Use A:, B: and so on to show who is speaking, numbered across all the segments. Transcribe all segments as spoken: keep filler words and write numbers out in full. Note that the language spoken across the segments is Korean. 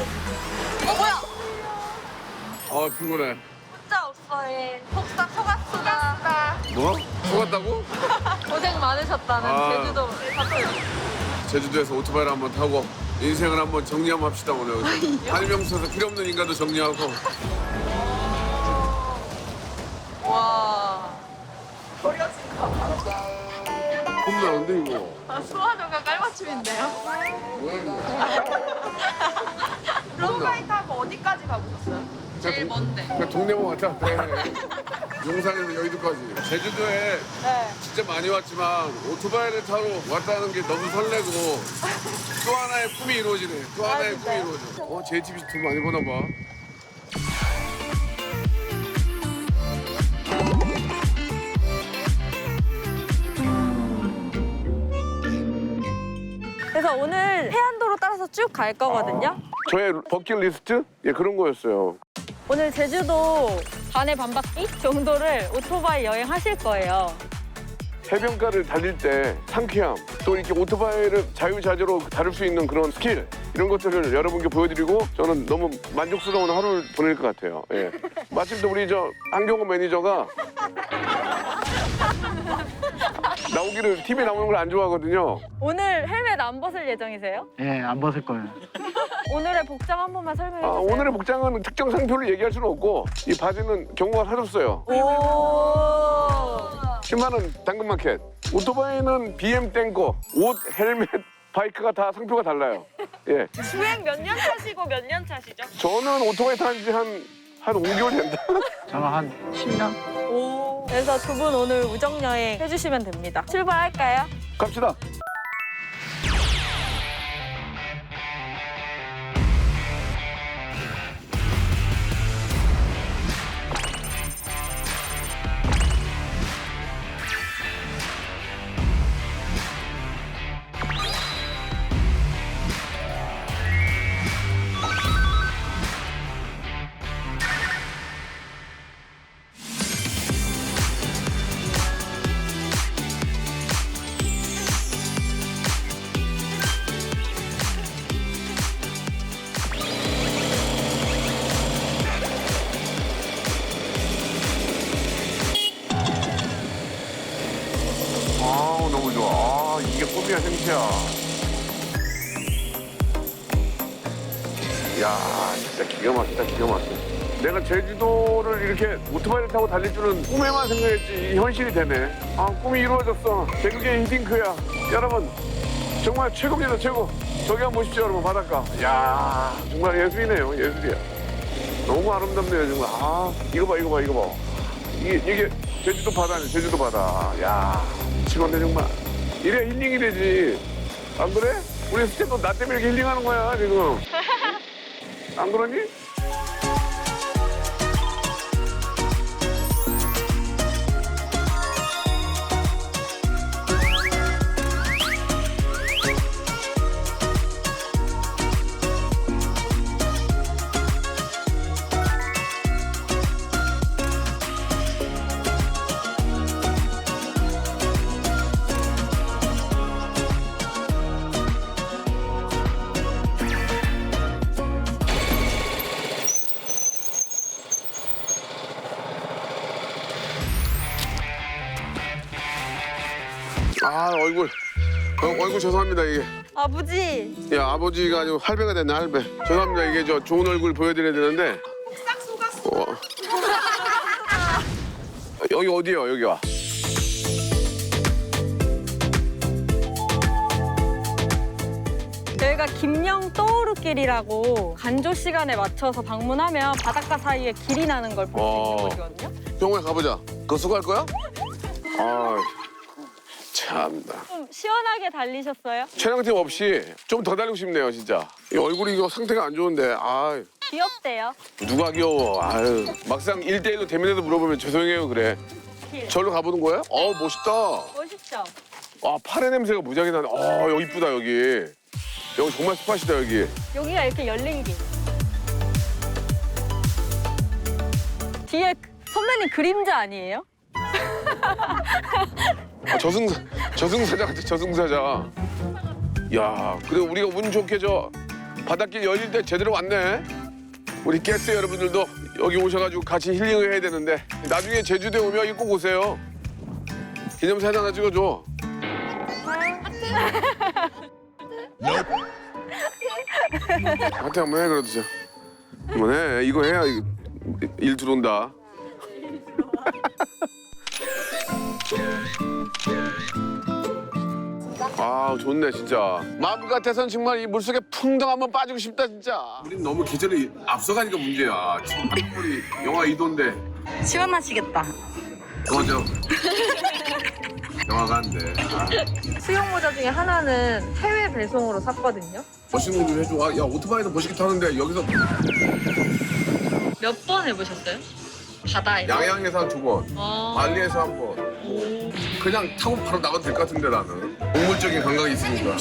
A: 어 뭐야?
B: 아 피곤해.
A: 진짜 없어해. 속삭 속았수다.
B: 뭐? 속았다고?
A: 고생 많으셨다는
B: 아.
A: 제주도 사투리.
B: 제주도에서 오토바이를 한번 타고 인생을 한번 정리 한번 합시다 오늘. 한명서에서 필요 없는 인간도 정리하고.
A: 와.
B: 겁나는데 이거.
A: 아, 수화조가 깔맞춤인데요?
B: 뭐야 이거?
A: 오토바이 타고 어디까지 가보셨어요? 제일 먼데.
B: 그냥 동네만 왔다 갔다 해. 용산에서 여의도까지. 제주도에
A: 네.
B: 진짜 많이 왔지만 오토바이를 타러 왔다는 게 너무 설레고 또 하나의 꿈이 이루어지네. 또 하나의 꿈이
A: 진짜요?
B: 이루어져. 어, 제이티비씨 돈 많이 버나 봐.
A: 그래서 오늘 해안도로 따라서 쭉 갈 거거든요.
B: 저의 버킷리스트? 예, 그런 거였어요.
A: 오늘 제주도 반에 반 바퀴 정도를 오토바이 여행하실 거예요.
B: 해변가를 달릴 때 상쾌함, 또 이렇게 오토바이를 자유자재로 다룰 수 있는 그런 스킬, 이런 것들을 여러분께 보여드리고 저는 너무 만족스러운 하루를 보낼 것 같아요. 예. 마침 또 우리 저 한경호 매니저가 나오기를 티비에 나오는 걸 안 좋아하거든요.
A: 오늘 헬멧 안 벗을 예정이세요?
C: 예, 안 벗을 거예요.
A: 오늘의 복장 한 번만 설명해
B: 아,
A: 주세요.
B: 오늘의 복장은 특정 상표를 얘기할 수는 없고 이 바지는 경호가 사줬어요.
A: 오.
B: 십만 원 당근마켓. 오토바이는 비엠 땡거, 옷, 헬멧, 바이크가 다 상표가 달라요. 예.
A: 주행 몇 년 차시고 몇 년 차시죠?
B: 저는 오토바이 탄 지 한, 한 오 개월 된다.
C: 저는 한 십 년?
A: 오. 그래서 두 분 오늘 우정 여행 해주시면 됩니다. 출발할까요?
B: 갑시다. 아우 너무 좋아. 아, 이게 꿈이야 생시야. 야 진짜 기가 막히다 기가 막혀. 내가 제주도를 이렇게 오토바이를 타고 달릴 줄은 꿈에만 생각했지 이 현실이 되네. 아 꿈이 이루어졌어. 개그계의 히딩크야. 여러분 정말 최고입니다 최고. 저기 한번 보십시오 여러분 바닷가. 야 정말 예술이네요 예술이야. 너무 아름답네요 정말. 아 이거 봐 이거 봐 이거 봐. 이게 이게 제주도 바다네 제주도 바다. 야 미치겠네 정말. 이래 힐링이 되지. 안 그래? 우리 스태프도 나 때문에 이렇게 힐링하는 거야 지금. 안 그러니? 아 얼굴 어, 얼굴 죄송합니다 이게.
A: 아버지.
B: 야 아버지가 아니고 할배가 됐네 할배. 죄송합니다 이게 저 좋은 얼굴 보여드려야 되는데.
A: 싹 속았어.
B: 어. 여기 어디요 여기가?
A: 여기가 김영 떠오르길이라고 간조 시간에 맞춰서 방문하면 바닷가 사이에 길이 나는 걸 볼 수
B: 어.
A: 있는 곳이거든요.
B: 병원에 가보자. 그거 수고할 거야? 아 참나.
A: 좀 시원하게 달리셨어요?
B: 촬영팀 없이 좀 더 달리고 싶네요 진짜. 이 얼굴이 이거 상태가 안 좋은데. 아
A: 귀엽대요.
B: 누가 귀여워. 아유 막상 일 대일로 대면에도 물어보면 죄송해요 그래.
A: 길.
B: 절로 가보는 거야? 어 멋있다.
A: 멋있죠?
B: 아 파래 냄새가 무지하게 나네. 아 여기 이쁘다 여기. 여기 정말 스팟이다 여기.
A: 여기가 이렇게 열린 길. 뒤에 선배님 그림자 아니에요?
B: 아, 저승사 저승사자 같아 저승사자. 야 그래 우리가 운 좋게 저 바닷길 열릴 때 제대로 왔네. 우리 게스트 여러분들도 여기 오셔가지고 같이 힐링을 해야 되는데 나중에 제주도에 오면 이거 꼭 오세요. 기념사진 하나 찍어줘. 하트 한번 해 그래도. 한번 해. 이거 해야 일 들어온다. 아 좋네 진짜. 마음 같아서는 정말 이 물속에 풍덩 한번 빠지고 싶다 진짜. 우린 너무 계절이 앞서가니까 문제야. 지금 한국물이 영하 이 도인데.
A: 시원하시겠다.
B: 맞아. 영화가 안 돼. 아,
A: 수영 모자 중에 하나는 해외 배송으로 샀거든요.
B: 버시는 좀 해줘. 아, 야 오토바이도 버시기 타는데 여기서
A: 몇 번 해보셨어요? 바다에서?
B: 양양에서 한 두 번,
A: 어.
B: 말리에서 한 번. 그냥 타고 바로 나가도 될 것 같은데 나는. 동물적인 감각이 있으니까.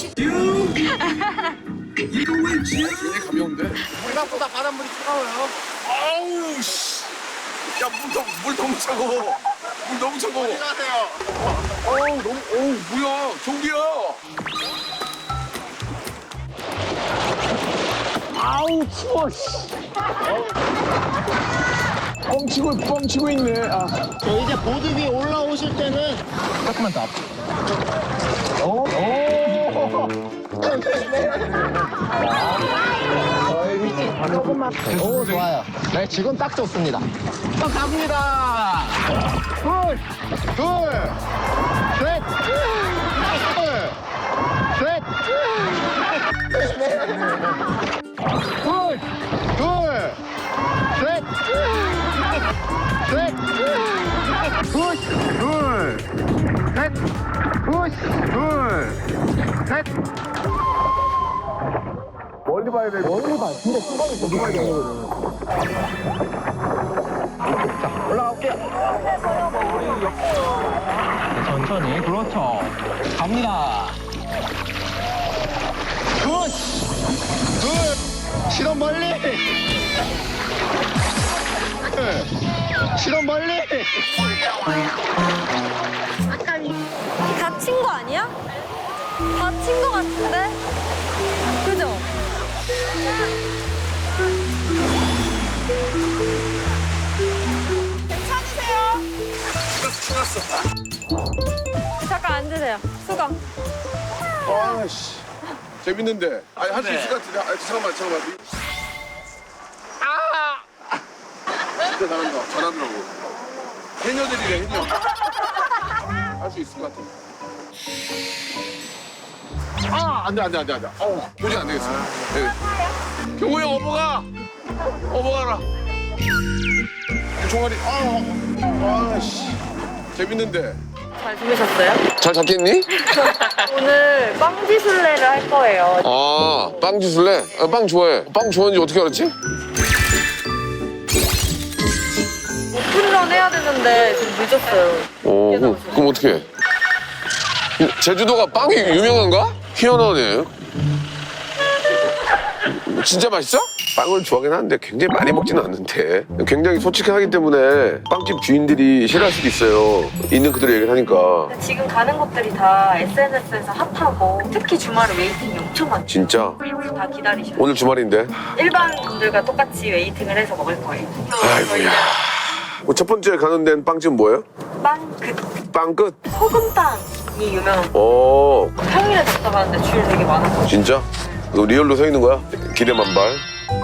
B: 굉장히 가벼운데.
C: 생각보다 바닷물이 차가워요.
B: 아우 씨. 야, 물, 더, 물 너무 차가워. 물 너무 차가워.
C: 안녕하세요.
B: 어우, 너무, 어우, 뭐야. 종기야. 아우, 추워, 씨. 뻥치고, 뻥치고 있네. 아.
C: 저 이제 보드 위에 올라오실 때는 조금만 더 앞으로. 오, 오. 조금만. 오, 좋아요. 네, 지금 딱 좋습니다. 또 갑니다. 둘, 둘, 셋, 둘, 셋, 둘, 둘, 셋, 셋, 푸시, 둘, 셋, 푸시, 둘, 셋.
B: 멀리 봐야 돼.
C: 멀리 봐. 근데 수박이 더 누가 되거든. 자, 올라갈게요. 천천히. 그렇죠. 갑니다. 굿! 굿! 시동 멀리! 시동 멀리!
A: 다친 거 아니야? 다친 거 같은데? 그죠? 괜찮으세요? 잠깐 앉으세요. 수강.
B: 아씨. 재밌는데. 아니, 할 수 있을 것 같은데. 아, 잠깐만, 잠깐만. 아! 진짜 잘한다. 잘하더라고. 해녀들이래, 해녀. 할 수 있을 것 같아. 아, 안 돼, 안 돼, 안 돼, 안 돼. 어우, 도저히 안 되겠어. 네. 경호 형, 어머가! 어머가라. 종아리, 아, 아씨. 재밌는데.
A: 잘 지내셨어요?
B: 잘 잡겠니?
A: 오늘 빵지술래를 할 거예요.
B: 아, 빵 주술래? 아, 빵 좋아해. 빵 좋아하는지 어떻게 알았지?
A: 오픈런 해야 되는데 지금 늦었어요.
B: 어, 그럼, 그럼 어떻게 해? 제주도가 빵이 유명한가? 희한하네. 진짜 맛있어? 빵을 좋아하긴 하는데 굉장히 많이 먹지는 않는데 굉장히 솔직하기 때문에 빵집 주인들이 싫어할 수도 있어요. 있는 그대로 얘기를 하니까.
A: 지금 가는 곳들이 다 에스엔에스에서 핫하고 특히 주말에 웨이팅이 엄청 많죠.
B: 진짜?
A: 다 기다리셔요.
B: 오늘 주말인데?
A: 일반 분들과 똑같이 웨이팅을 해서 먹을 거예요.
B: 아이고야. 뭐 첫 번째 가는 데는 빵집은 뭐예요?
A: 빵, 그
B: 빵 끝?
A: 소금빵이 유명한
B: 어,
A: 평일에 갔다 가는데 줄 되게 많아서.
B: 진짜? 너 리얼로 서 있는 거야? 기대 만발.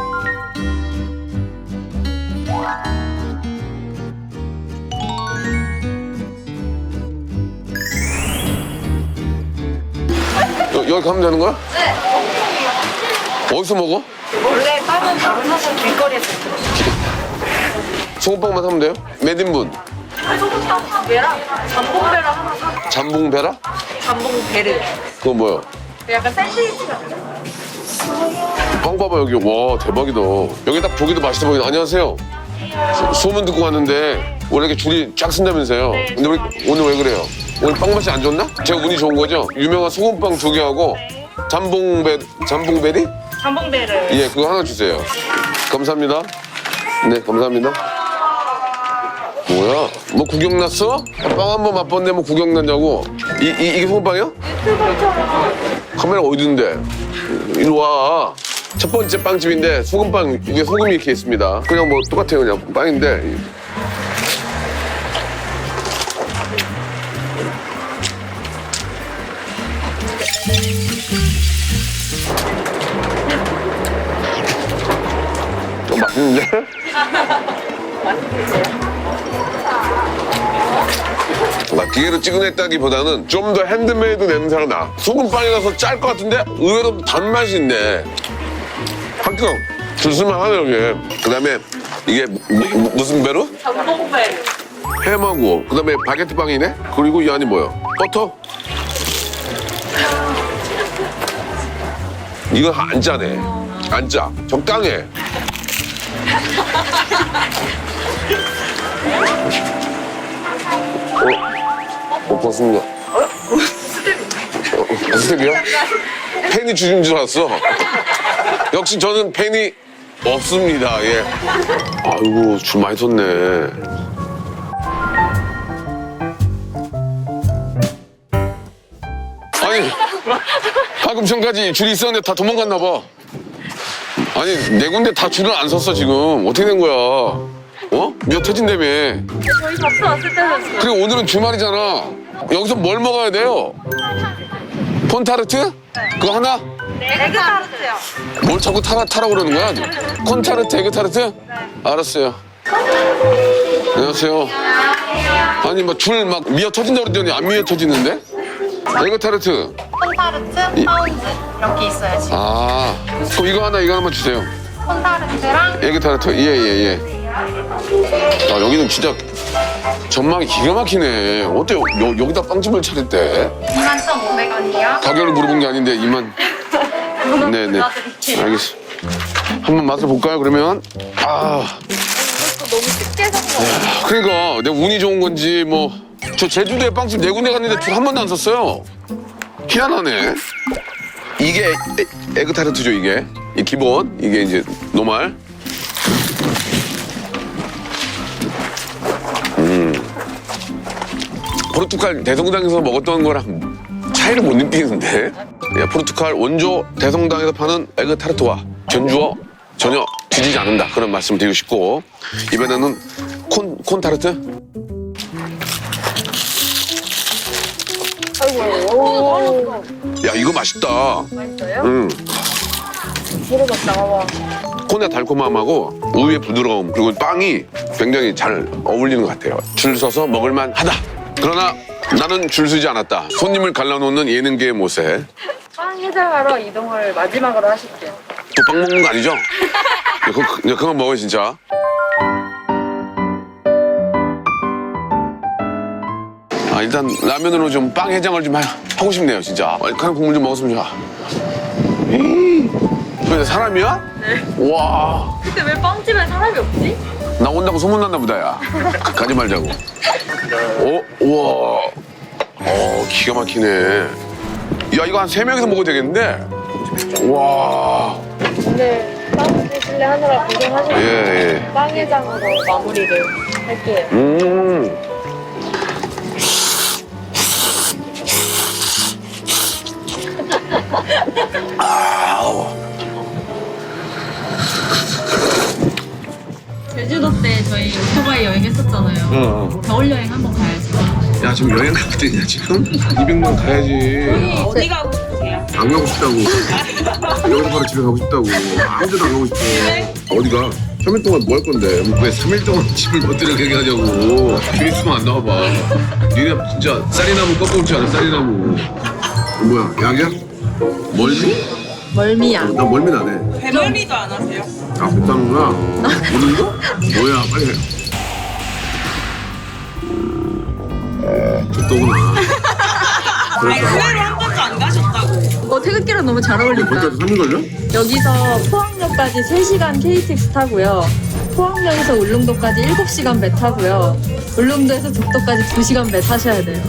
B: 여, 여기 가면 되는 거야?
A: 네.
B: 어디서 먹어?
A: 원래 빵은 바로 사서 길거리에서 들었어요.
B: 소금빵만 사면 돼요? 몇 인분?
A: 소금빵 한 개랑 잠봉배를 하나 사.
B: 잠봉배라?
A: 잠봉배를.
B: 그건 뭐야?
A: 약간 샌드위치 같은.
B: 빵 봐봐 여기. 와 대박이다. 여기 딱 보기도 맛있어 보이네. 안녕하세요. 소, 소문 듣고 왔는데 원래 이렇게 줄이 쫙 쓴다면서요.
A: 네,
B: 근데 우리 오늘 왜 그래요? 오늘 빵 맛이 안 좋나? 제가 운이 좋은 거죠? 유명한 소금빵 두 개하고 잠봉배, 잠봉배리?
A: 잠봉배를.
B: 예, 그거 하나 주세요. 감사합니다. 네, 감사합니다. 뭐야? 뭐 구경 났어? 빵 한 번 맛봤는데 뭐 구경 났냐고? 이, 이, 이게 소금빵이야?
A: 유튜버처럼.
B: 카메라 어디 있는데? 이리 와. 첫 번째 빵집인데 소금빵 이게 소금이 이렇게 있습니다. 그냥 뭐 똑같아요. 그냥 빵인데. 좀 맛있는데? 막 기계로 찍어냈다기보다는 좀 더 핸드메이드 냄새가 나. 소금빵이라서 짤 것 같은데 의외로 단맛이 있네. 합격. 줄수만 하네 여기. 그다음에 이게 무, 무, 무슨 배로?
A: 전복배.
B: 햄하고 그다음에 바게트 빵이네. 그리고 이 안이 뭐야? 버터? 이거 안 짜네. 안 짜. 적당해. 어? 어, 버섯이야. 어? 어, 스텝이야? 팬이 주신 줄 알았어. 역시 저는 팬이 없습니다. 예. 아이고, 줄 많이 섰네. 아니, 방금 전까지 줄이 있었는데 다 도망갔나 봐. 아니, 네 군데 다 줄을 안 섰어, 지금. 어떻게 된 거야? 어? 몇 터진다며.
A: 저희 접수 왔을 때는
B: 그리고 오늘은 주말이잖아. 여기서 뭘 먹어야 돼요? 콘타르트? 그거 하나?
A: 에그 타르트요.
B: 뭘 자꾸 타라, 타라 그러는 거야? 콘타르트, 에그 타르트? 알았어요. 안녕하세요. 아니, 막 줄 막 미어 터진다고 그랬더니 안 미어 터지는데? 에그 타르트.
D: 콘타르트, 파운드 이렇게 있어요 지금.
B: 아, 그럼 이거 하나, 이거 하나만 주세요.
D: 콘타르트랑
B: 에그 타르트. 예, 예, 예. 아, 여기는 진짜 전망이 기가 막히네. 어때? 요, 여기다 빵집을 차렸대?
D: 이만 천오백 원이요.
B: 가격을 물어본 게 아닌데 이만. 네네. 알겠어. 한번 맛을 볼까요? 그러면 아.
A: 너무 쉽게 산 거.
B: 그러니까 내가 운이 좋은 건지 뭐 저 제주도에 빵집 네 군데 갔는데 줄 한 번도 안 섰어요. 희한하네. 이게 에, 에그 타르트죠 이게. 이 기본 이게 이제 노말. 음. 포르투갈 대성당에서 먹었던 거랑 차이를 못 느끼는데. 야, 포르투갈 원조 대성당에서 파는 에그 타르트와 전주어 전혀 뒤지지 않는다. 그런 말씀을 드리고 싶고 이번에는 콘, 콘 타르트?
A: 아이고.
B: 야, 이거 맛있다.
A: 맛있어요?
B: 응.
A: 물어봤다. 와.
B: 콘의 달콤함하고 우유의 부드러움 그리고 빵이 굉장히 잘 어울리는 것 같아요. 줄 서서 먹을만 하다. 그러나 나는 줄 서지 않았다. 손님을 갈라놓는 예능계의 모세.
A: 빵 해장하러 이동을 마지막으로 하실게요.
B: 또 빵 먹는 거 아니죠? 그거, 그거, 그만 먹어요 진짜. 아, 일단 라면으로 좀 빵 해장을 좀 하, 하고 싶네요 진짜. 알칼리 국물 좀 먹었으면 좋아. 근데 사람이야?
A: 네.
B: 와.
A: 근데 왜 빵집에 사람이 없지?
B: 나 온다고 소문났나 보다 야. 가- 가지 말자고. 어? 우와. 어, 기가 막히네. 야, 이거 한 세 명이서 먹어도 되겠는데? 와.
A: 근데 빵 드실래 하느라 고생하시고
B: 예, 예.
A: 빵 해장으로 마무리를 할게요.
B: 음. 아우.
E: 제주도 때 저희 오토바이 여행했었잖아요.
B: 응.
E: 겨울 여행 한번 가야지.
B: 야, 지금 여행 가거든요, 지금? 이백만 가야지.
E: 어디 가고 싶으세요?
B: 안 가고 싶다고. 여기서 바로 집에 가고 싶다고. 아무 데도 안 가고 싶어. 어디가? 삼 일 동안 뭐 할 건데? 왜 삼 일 동안 집을 못 들어가게 하냐고. 주입수만 안 나와봐. 니네 진짜 쌀이나무 꺾어오지 않아, 쌀이나무. 뭐야, 약이야? 멀미?
E: 멀미야.
B: 나 멀미 나네.
F: 배멀미도 안 하세요?
B: 아, 뱉다는구나. 오는 거? 뭐야, 빨리 해. 족도구나.
F: 아니 의외로 한 번도 안 가셨다고.
E: 어, 태극기랑 너무 잘 어울린다.
B: 벌써 삼 일 걸려?
E: 여기서 포항역까지 세 시간 케이티엑스 타고요. 포항역에서 울릉도까지 일곱 시간 배 타고요. 울릉도에서 독도까지 두 시간 배 타셔야 돼요.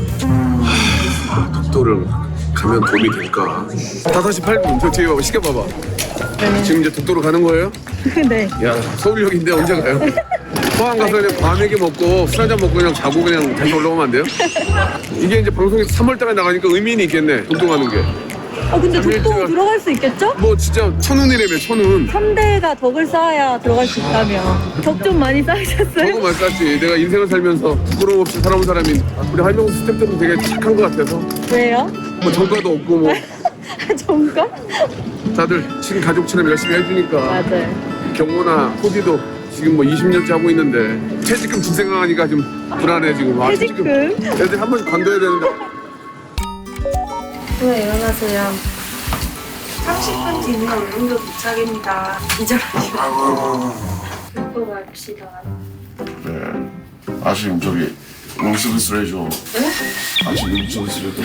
B: 독도를 가면 도움이 될까? 다섯 시 팔 분, 저 뒤에 봐봐, 시간 봐봐. 지금 이제 독도로 가는 거예요?
E: 네.
B: 야, 서울역인데 언제 가요? 포항 가서 그냥 과메기 먹고 술 한잔 먹고 그냥 자고 그냥 다시 올라오면 안 돼요? 이게 이제 방송이 삼월 달에 나가니까 의미는 있겠네, 독도 가는 게.
A: 어, 근데 독도
B: 일주일간-
A: 들어갈 수 있겠죠?
B: 뭐 진짜 천운이라며 천운.
A: 삼 대가 덕을 쌓아야 들어갈 수 있다며. 덕 좀 많이 쌓으셨어요?
B: 너무 많았지. 내가 인생을 살면서 부끄러움 없이 살아온 사람이 우리 할명수 스태프들은 되게 착한 것 같아서
A: 왜요?
B: 뭐 정가도 없고 뭐
A: 정가?
B: 다들 친가족처럼 열심히 해주니까
A: 맞아요.
B: 경호나 코디도 지금 뭐 이십 년째 하고 있는데 퇴직금 줄 생각하니까 좀 불안해 지금. 아,
A: 퇴직금?
B: 애들 한 번씩 관둬야 되는데.
E: 왜 일어나세요?
F: 삼십 분 뒤면 울릉도 도착입니다.
E: 기절하시고. 듣고 갑시다.
G: 네. 아침 저기 룸서비스를 해줘. 네? 아침 룸서비스를 해줘.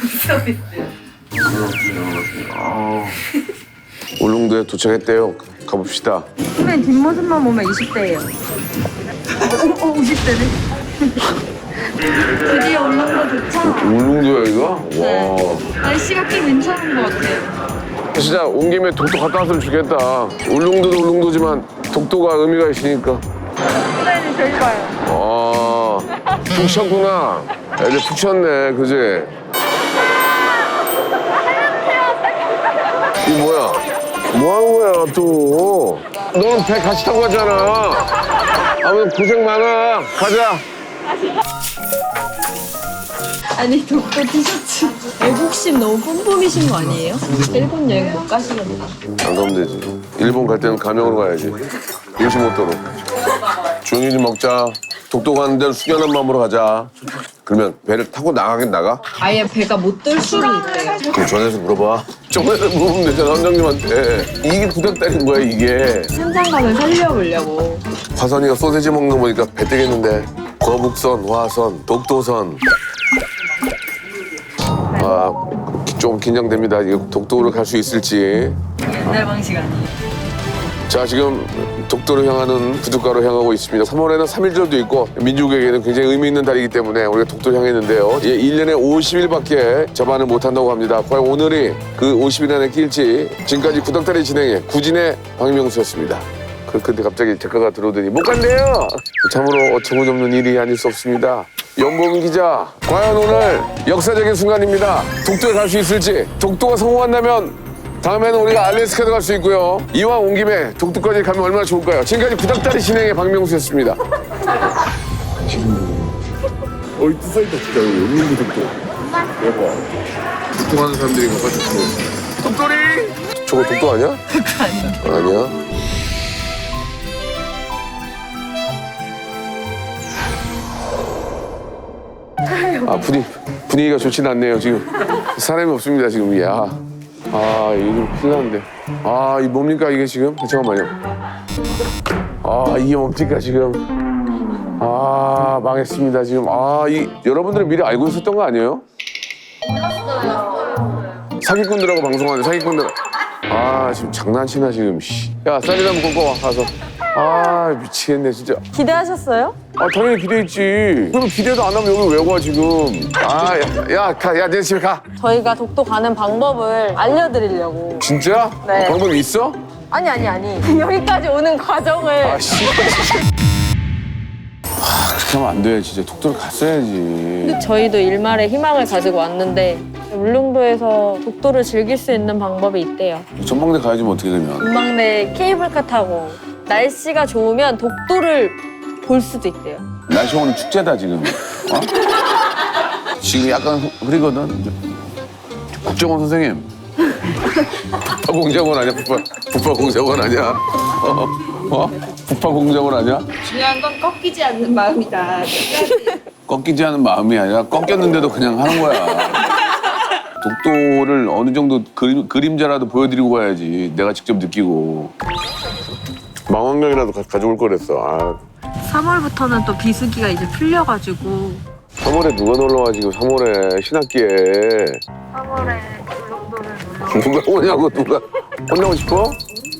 G: 룸서비스요? 아,
B: 울릉도에 도착했대요. 가봅시다.
E: 선배님 뒷모습만 보면 이십 대예요. 어, 어, 오십 대네. 드디어 울릉도 도착.
B: 울릉도야 이거?
E: 네.
B: 와.
E: 날씨가 꽤 괜찮은 것 같아요.
B: 진짜 온 김에 독도 갔다 왔으면 좋겠다. 울릉도도 울릉도지만 독도가 의미가 있으니까.
A: 선배님 저희 봐요.
B: 아, 푹 쉬었구나. 애들 푹 쉬었네, 그지? 이 뭐야? 뭐 하는 거야, 또? 너는 배 같이 타고 가잖아. 아무튼 고생 많아. 가자.
E: 아니 독도 티셔츠 애국심 너무 뿜뿜이신 거 아니에요? 일본 여행 못 가시겠네.
B: 안 가면 되지. 일본 갈 때는 가명으로 가야지. 요시모토로. 조용히 좀 먹자. 독도 가는 데는 숙연한 마음으로 가자. 그러면 배를 타고 나가긴 나가?
E: 아예 배가 못 들 수도 있대요.
B: 그럼 전화해서 물어봐. 전화해서 물어보면 되잖아, 원장님한테. 이게 부탁드린 거야, 이게.
E: 현장감을 살려보려고.
B: 화선이가 소세지 먹는 거 보니까 배 뜨겠는데. 거북선, 화선, 독도선. 아, 좀 긴장됩니다. 이거 독도로 갈 수 있을지.
E: 옛날 방식 아니에요.
B: 자, 지금 독도로 향하는 부둣가로 향하고 있습니다. 삼월에는 삼일절도 있고 민족에게는 굉장히 의미 있는 달이기 때문에 우리가 독도를 향했는데요. 예, 일 년에 오십 일밖에 접안을 못한다고 합니다. 과연 오늘이 그 오십 일 안에 낄지. 지금까지 구닥다리 진행해 구진의 박명수였습니다. 그- 근데 갑자기 작가가 들어오더니 못 간대요. 참으로 어처구니없는 일이 아닐 수 없습니다. 연보민 기자, 과연 오늘 역사적인 순간입니다. 독도에 갈 수 있을지. 독도가 성공한다면 다음에는 우리가 알래스카도 갈 수 있고요. 이왕 온 김에 독도까지 가면 얼마나 좋을까요? 지금까지 구닥다리 진행의 박명수였습니다. 어이, 또 써있다, 진짜. 여기 울릉도 독도. 대박. 독도 가는 사람들이 가봐, 독도. 독도리! 저거 독도 아니야? 독도 아니야. 아니야? 아, 분위, 분위기가 좋진 않네요, 지금. 사람이 없습니다, 지금. 이게. 아, 아, 이게 좀 큰일 났는데. 아, 이 뭡니까, 이게 지금? 잠깐만요. 아, 이게 뭡니까, 지금? 아, 망했습니다, 지금. 아, 이, 여러분들은 미리 알고 있었던 거 아니에요? 사기꾼들하고 방송하는 사기꾼들. 아, 지금 장난치나, 지금. 씨. 야, 쌀이나 한번 꺾어 와, 가서. 아, 미치겠네, 진짜.
A: 기대하셨어요?
B: 아, 당연히 기대했지. 그럼 기대도 안 하면 여기 왜 와, 지금. 아, 야, 야, 가, 야, 내 집에 가.
A: 저희가 독도 가는 방법을 알려드리려고.
B: 진짜?
A: 네.
B: 방법이 있어?
A: 아니 아니 아니. 여기까지 오는 과정을.
B: 아, 씨. 아, 그렇게 하면 안 돼. 진짜 독도를 갔어야지.
A: 저희도 일말의 희망을 가지고 왔는데 울릉도에서 독도를 즐길 수 있는 방법이 있대요.
B: 전망대 가야지 뭐 어떻게 되면.
A: 전망대 케이블카 타고 날씨가 좋으면 독도를 볼 수도 있대요.
B: 날씨 오늘 축제다, 지금. 어? 지금 약간 흐리거든. 국정원 선생님. 북파공작원 아니야? 북파, 북파공작원 아니야? 어? 어? 북파공작원 아니야?
F: 중요한 건 꺾이지 않는 마음이다.
B: 꺾이지 않은 마음이 아니라 꺾였는데도 그냥 하는 거야. 독도를 어느 정도 그림, 그림자라도 보여드리고 가야지. 내가 직접 느끼고. 망원경이라도 가, 가져올 거랬어. 아.
E: 삼월부터는 또 비수기가 이제 풀려가지고
B: 삼월에 누가 놀러와 지금 삼월에 신학기에.
E: 삼월에 울릉도를 놀러
B: 누가 오냐고 누가. 혼나고 싶어?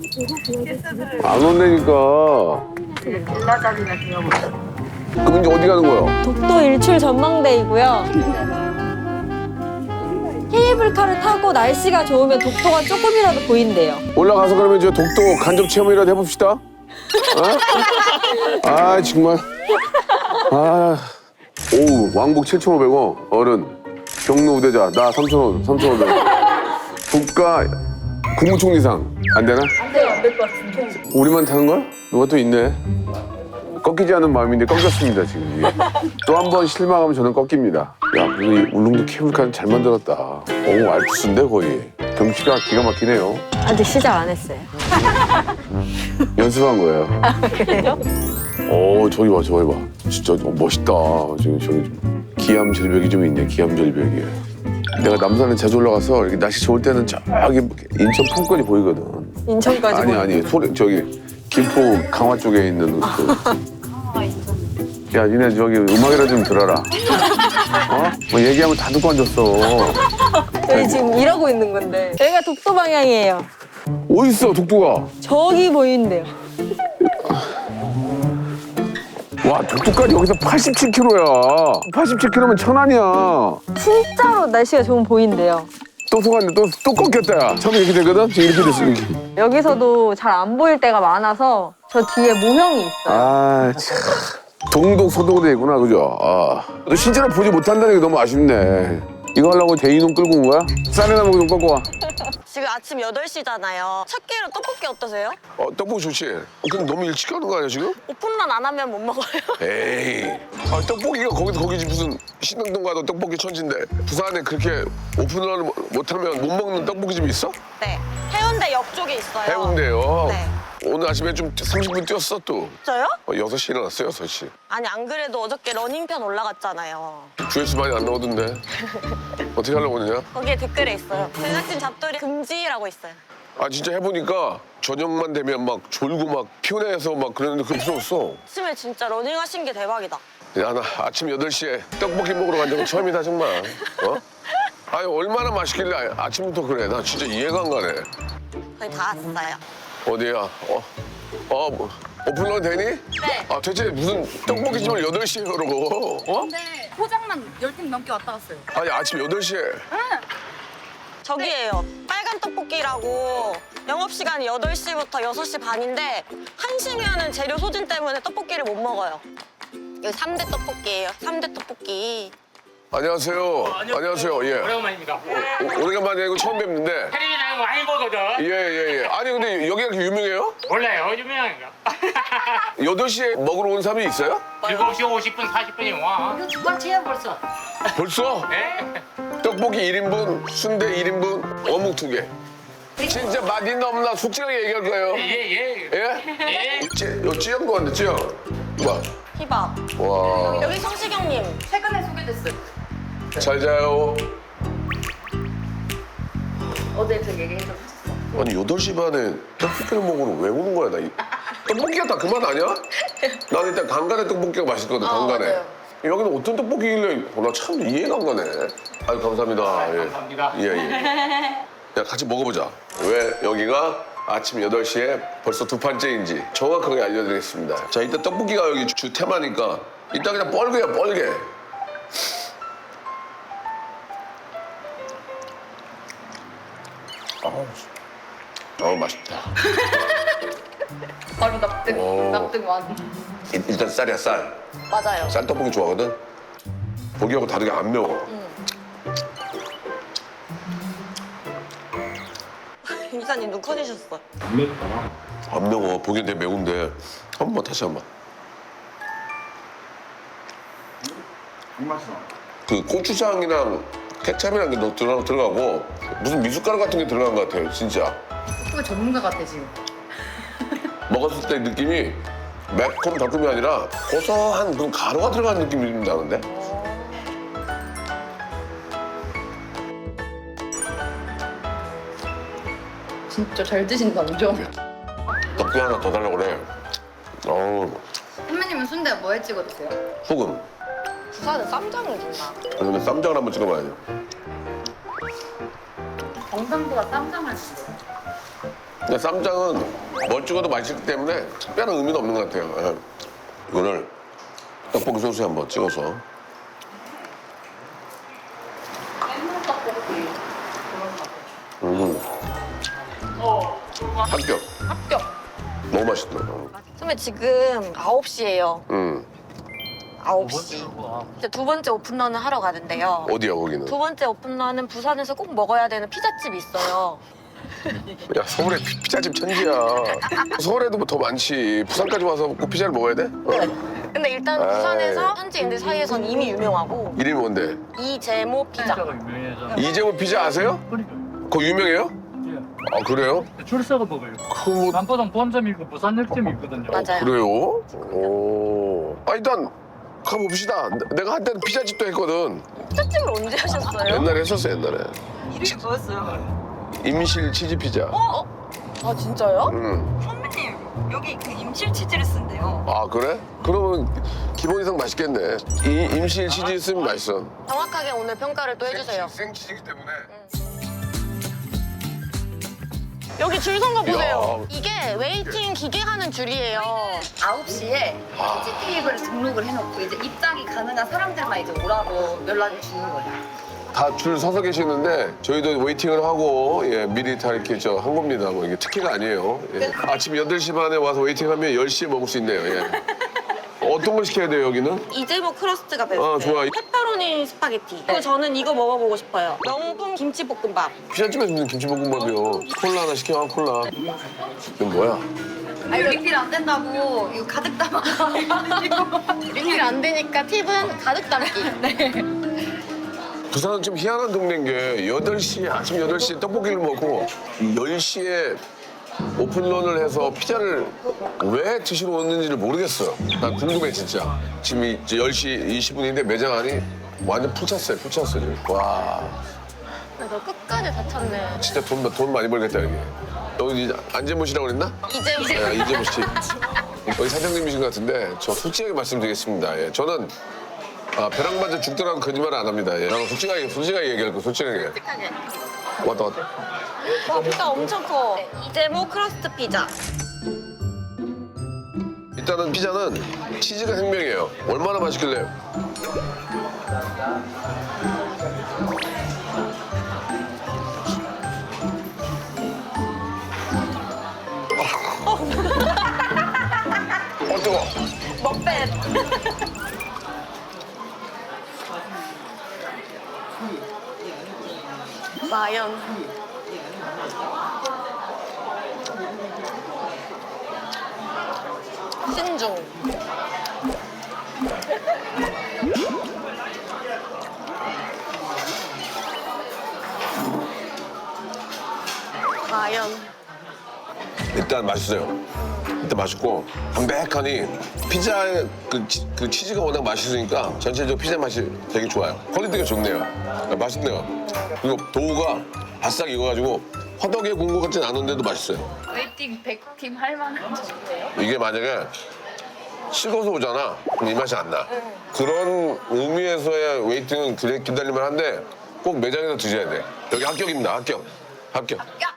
B: 안 온다니까.
E: 빌라 자리가 되어버렸어요.
B: 그럼 이제 어디 가는 거야?
A: 독도 일출 전망대이고요. 케이블카를 타고 날씨가 좋으면 독도가 조금이라도 보인대요.
B: 올라가서 그러면 이제 독도 간접 체험이라도 해봅시다. 어? 아 정말. 아. 오 왕복 칠천오백 원 어른 경로 우대자 나 삼천 원 삼천 오백 원. 국가 국무총리상 안 되나?
A: 안 돼요. 안 될 것 같은데.
B: 우리만 타는 거야? 누가 또 있네. 꺾이지 않은 마음인데 꺾였습니다 지금. 또 한 번 실망하면 저는 꺾입니다. 야, 그래도 이 울릉도 케이블카는 잘 만들었다. 오, 알프스인데 거의. 경치가 기가 막히네요.
A: 아직 시작 안 했어요.
B: 연습한 거예요.
A: 그래요?
B: 오, 저기 봐, 저기 봐. 진짜 멋있다. 저기 저기 기암 절벽이 좀 있네. 기암 절벽이. 내가 남산에 자주 올라가서 이렇게 날씨 좋을 때는 저기 인천 풍권이 보이거든.
A: 인천까지.
B: 아니
A: 보여요.
B: 아니 소리 저기 김포 강화 쪽에 있는 그. 야, 니네 저기 음악이라 좀 들어라. 어? 뭐 얘기하면 다 듣고 앉았어.
A: 저희 지금 일하고 있는 건데. 여기가 독도 방향이에요.
B: 어딨어 독도가?
A: 저기 보이는데요.
B: 와, 독도까지 여기서 팔십칠 킬로미터야. 팔십칠 킬로미터면 천안이야.
A: 진짜로 날씨가 좋으면 보인대요.
B: 또 속았네. 또, 또 꺾였다, 야. 처음에 이렇게 되거든? 지금 이렇게 됐어, 이렇게.
A: 여기서도 잘 안 보일 때가 많아서 저 뒤에 모형이 있어요.
B: 아, 참. 동독, 서독으로 돼 있구나, 그죠? 아. 너 실제로 보지 못한다는 게 너무 아쉽네. 이거 하려고 대인홍 끌고 온 거야? 쌀이나 먹고 좀 꺾고 와.
F: 지금 아침 여덟 시잖아요. 첫 끼로 떡볶이 어떠세요?
B: 어, 떡볶이 좋지? 어, 근데 너무 일찍 가는 거 아니야, 지금?
F: 오픈런 안 하면 못 먹어요.
B: 에이. 아, 떡볶이가 거기서 거기지 무슨 신당동 가도 떡볶이 천지인데 부산에 그렇게 오픈런을 못- 못하면 못 먹는 떡볶이집이 있어?
F: 네. 해운대 옆 쪽에 있어요.
B: 해운대요.
F: 네.
B: 오늘 아침에 좀 삼십 분 뛰었어 또.
F: 저요?
B: 어, 여섯 시에 일어났어, 여섯 시.
F: 아니 안 그래도 어저께 러닝편 올라갔잖아요.
B: 조회수 많이 안 나오던데. 어떻게 하려고 그러냐?
F: 거기에 댓글에 있어요. 제작진 잡돌이 금지라고 있어요.
B: 아, 진짜 해보니까 저녁만 되면 막 졸고 막 피곤해서 막 그랬는데 그게 무서웠어.
F: 아침에 진짜 러닝하신 게 대박이다.
B: 야, 나 아침 여덟 시에 떡볶이 먹으러 간 적은 처음이다, 정말. 어? 아니, 얼마나 맛있길래 아침부터 그래. 나 진짜 이해가 안 가네.
F: 거의 다 왔어요.
B: 어디야? 어, 어, 뭐, 오픈런 되니?
D: 네.
B: 아, 대체 무슨 떡볶이집을 여덟 시에 그러고? 어?
D: 네. 포장만 열 팀 넘게 왔다 갔어요.
B: 아니, 아침 여덟 시에.
F: 저기예요. 빨간 떡볶이라고 영업시간이 여덟 시부터 여섯 시 반인데 한 시면은 재료 소진 때문에 떡볶이를 못 먹어요. 여기 삼 대 떡볶이예요. 삼 대 떡볶이.
B: 안녕하세요. 안녕하세요. 예.
H: 오래간만입니다.
B: 오, 오래간만에 이거 처음 뵙는데.
H: 텔레비전 많이 보거든.
B: 예, 예, 예. 아니, 근데 여기가 그렇게 유명해요?
H: 몰라요, 유명한가?
B: 여덟 시에 먹으러 온 사람이 있어요?
H: 일곱 시 오십 분, 사십 분이 와.
D: 이거 주방치야 벌써.
B: 벌써?
H: 네?
B: 떡볶이 일 인분, 순대 일 인분, 어묵 두 개. 진짜 맛있나 없나 솔직하게 얘기할 거예요.
H: 예, 예.
B: 예?
H: 예.
B: 찌, 요 찌연 거 같네, 찌연. 봐.
F: 희밥.
B: 와.
F: 여기 성시경님.
D: 최근에 소개됐어요.
B: 잘 자요.
D: 어제 그 얘기해서
B: 아니, 여덟 시 반에 떡볶이를 먹으러 왜 오는 거야, 나. 이- 떡볶이가 다 그만 아니야? 난 일단 간간에 떡볶이가 맛있거든,
D: 아,
B: 간간에.
D: 맞아요.
B: 여기는 어떤 떡볶이길래, 어, 나 참 이해가 안 가네. 아유, 감사합니다. 예.
H: 감사합니다.
B: 예, 예. 야, 같이 먹어보자. 왜 여기가 아침 여덟 시에 벌써 두 판째인지 정확하게 알려드리겠습니다. 자, 일단 떡볶이가 여기 주 테마니까 일단 그냥 뻘개야, 뻘개. 아우, 아우 맛있다.
D: 바로 납득,
B: 오.
D: 납득 완.
B: 일- 일단 쌀이야, 쌀.
F: 맞아요.
B: 쌀떡볶이 좋아하거든? 고기하고 다르게 안 매워.
F: 이사님 눈 커지셨어.
B: 안 매워. 보기엔 되게 매운데. 한 번 다시 한 번. 그 고추장이랑 케찹이랑 게 너 들어, 들어가고 무슨 미숫가루 같은 게 들어간 것 같아요, 진짜.
D: 그거 전문가 같아 지금.
B: 먹었을 때 느낌이 매콤 달콤이 아니라 고소한 그런 가루가 들어간 느낌이 좀 나는데?
D: 진짜 잘 드신다, 그죠?
B: 떡볶이 하나 더 달라고 그래. 어우,
D: 선배님은 순대 뭐에 찍어 드세요?
B: 소금.
F: 부산은 쌈장을 준다.
B: 그러면 쌈장을 한번 찍어봐야죠.
D: 경상도가 쌈장을 쓰세요.
B: 근데 쌈장은 뭘 찍어도 맛있기 때문에 특별한 의미는 없는 것 같아요. 예. 이거를 떡볶이 소스에 한번 찍어서.
D: 깻잎 떡볶이.
B: 음. 합격.
F: 합격.
B: 너무 맛있다.
F: 선배 지금 아홉 시예요.
B: 음.
F: 아홉 시. 이제 두 번째 오픈런을 하러 가는데요.
B: 어디야 거기는?
F: 두 번째 오픈런은 부산에서 꼭 먹어야 되는 피자집이 있어요.
B: 야 서울에 피- 피자집 천지야. 서울에도 뭐 더 많지. 부산까지 와서 꼭 피자를 먹어야 돼? 어?
F: 근데 일단
B: 아이.
F: 부산에서 현지인들 사이에선 이미 유명하고
B: 이름이 뭔데?
F: 이재모 피자.
B: 이재모 피자 아세요? 그거 유명해요? 아 그래요?
I: 출사가 먹어요.
B: 그 뭐
I: 남포동 본점이 있고 부산역점이 있거든요.
F: 맞아요.
B: 그래요? 오. 아 일단 가봅시다. 내- 내가 한때는 피자집도 했거든.
F: 피자집을 언제 하셨어요?
B: 옛날에 했었어 옛날에.
F: 이름이 뭐였어요?
B: 임실 치즈 피자.
F: 어? 아 진짜요?
B: 응.
F: 선배님 여기 그 임실 치즈를 쓴대요.
B: 아 그래? 그러면 기본 이상 맛있겠네. 이 임실 치즈 있으면 맛있어.
F: 정확하게 오늘 평가를 또 해주세요.
B: 생치즈이기 때문에.
F: 여기 줄 선 거 보세요.
B: 야.
F: 이게 웨이팅 기계 하는 줄이에요.
D: 아홉 시에 피지 테이블을 등록을 해놓고 이제 입장이 가능한 사람들만 이제 오라고 연락을 주는 거예요.
B: 다 줄 서서 계시는데 저희도 웨이팅을 하고 예, 미리 다 이렇게 저 한 겁니다. 뭐 이게 특혜가 아니에요. 예. 아침 여덟 시 반에 와서 웨이팅하면 열 시에 먹을 수 있네요. 예. 어떤 걸 시켜야 돼요 여기는?
F: 이재모 크러스트가 베스트.
B: 아, 좋아.
F: 페퍼로니 스파게티. 그리고 저는 이거 먹어보고 싶어요. 명품 김치볶음밥.
B: 피자집에서 먹는 김치볶음밥이요. 콜라 하나 시켜 콜라. 이건 뭐야?
D: 아니 리필 안 된다고 이거 가득 담아.
F: 리필 안 되니까 팁은 가득 담기. 네.
B: 부산은 좀 희한한 동네인 게 여덟 시 아침 여덟 시에 떡볶이를 먹고 열 시에 오픈런을 해서 피자를 왜 드시러 오는지를 모르겠어요. 난 궁금해 진짜. 지금 이제 열 시 이십 분인데 매장 안이 완전 풀 찼어요. 풀 찼어요 지금. 와
F: 너 끝까지 다 찼네.
B: 진짜 돈, 돈 많이 벌겠다 여기. 여기 안재모 씨라고 그랬나?
F: 이재모.
B: 네, 이재모 씨. 여기 사장님이신 것 같은데 저 솔직하게 말씀드리겠습니다. 예, 저는 아, 벼랑 맞아 죽더라고 거짓말 안 합니다. 예. 나는 솔직하게 솔직하게 얘기할 거 솔직하게.
F: 솔직하게.
B: 왔다 왔다.
F: 와 피자 엄청 커. 이재모 크러스트 피자.
B: 일단은 피자는 치즈가 생명이에요. 얼마나 맛있길래? 어 뜨거.
F: 먹배. 마연. 신중. 마연.
B: 일단 맛있어요. 일단 맛있고 담백하니 피자의 그, 치, 그 치즈가 워낙 맛있으니까 전체적으로 피자 맛이 되게 좋아요. 퀄리티가 좋네요. 아, 맛있네요. 그리고 도우가 바싹 익어가지고 화덕에 구운 것 같진 않은데도 맛있어요.
D: 웨이팅 백 팀 할 만한 정도예요?
B: 이게 만약에 식어서 오잖아. 그럼 이 맛이 안 나. 그런 의미에서의 웨이팅은 그래 기다릴만 한데 꼭 매장에서 드셔야 돼. 여기 합격입니다. 합격. 합격.